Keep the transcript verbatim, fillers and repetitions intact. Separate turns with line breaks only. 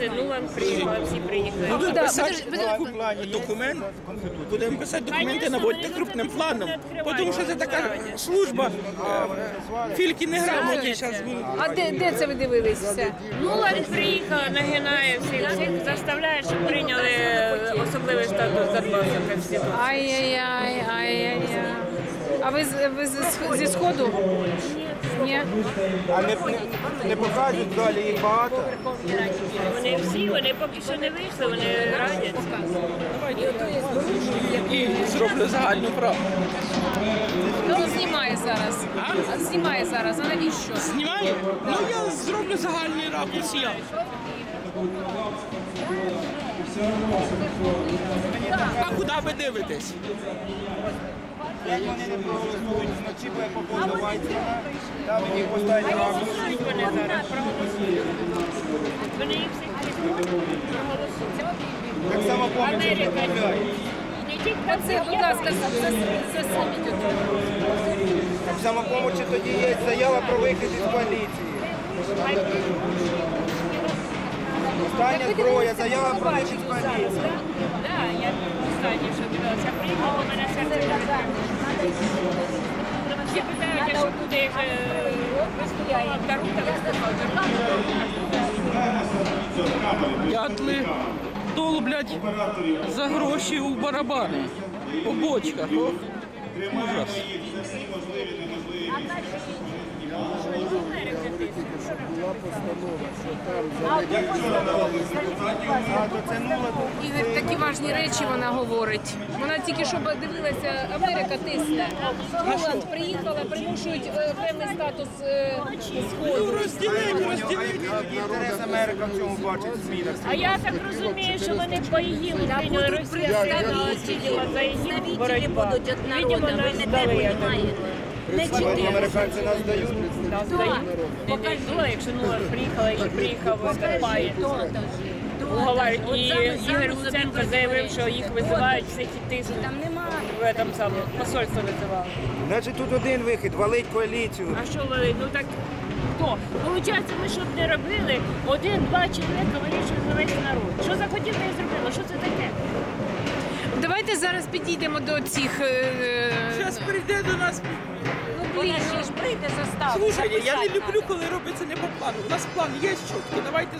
приїхали, Нулан приїхали, всі приїхали.
Будемо
Да,
писати
подожди,
доку- документ, будемо писати документи, наводити крупним планом, тому що це така служба, е, фільки неграмотні зараз будуть.
А де, де це ви дивились все?
Нулан приїхала, нагинає всіх, всіх заставляє, щоб прийняли особливий статус Донбасу Конституції.
Ай-яй-яй, ай-яй-яй. А ви, з- ви з- зі Сходу? Ні.
А не, не, не покажуть далі, їх багато.
Вони всі, вони поки що не вийшли, вони радяться.
І зроблю загальну правду.
Ну, знімає зараз. А? Знімає зараз. А навіщо?
Знімаю? Ну я зроблю загальний ракурс я. А куди ви дивитесь?
Як вони не проголосують, вночі буде погода Вайцмана, там їх поставить ракурс.
Вони зараз проголосують. Вони їх всіх проголосують.
Так само помните,
Америка.
відправляють.
Не тільки
Це, будь ласка, засуніть отут.
В самопомочі тоді є заява про вихід із коаліції. Остання зброя, заява про вихід з коаліції.
Так, я останнє, що дивилася, приїхала, у мене серце не всі питають, а що буде, як виступала Тарута, виступала.
Дятли долблять за гроші у барабани, по бочках. Ох, ужас.
Ігор, такі важні речі вона говорить. Вона тільки що дивилася, Америка тисне. Голланд приїхала, примушують е, певний статус е,
Ну,
Сходу.
розділить, розділить.
Інтерес Америка в цьому бачить в змінах.
А я так розумію, що вони по ІГІЛу прийняли Росію, сиділа за ІГІЛ боротьба.
будуть від народу,
Видимо,
ви
нас
не те
здали, я
понімаєте. Не
Сьогодні
чотири.
американці нас дають.
Нас дають. Не дають, якщо Нулан приїхала і приїхав Степаєв. Уговарюють. І Ігор Луценко заявив, що їх визивають всіх і тиснуть.
Там немає.
В этом самому посольство визивало.
Значить тут один вихід, валить коаліцію.
А що ви, ну так хто? Получається, ми що б не робили, один-два чоловіка вирішують за весь народ. Що захотів, те і зробили. Що це таке?
Давайте зараз підійдемо до цих. е,
Зараз прийде до нас.
Вона ж ж прийде заставу.
Слушайте, я не люблю, коли робиться не по плану. У нас план є чіткий, давайте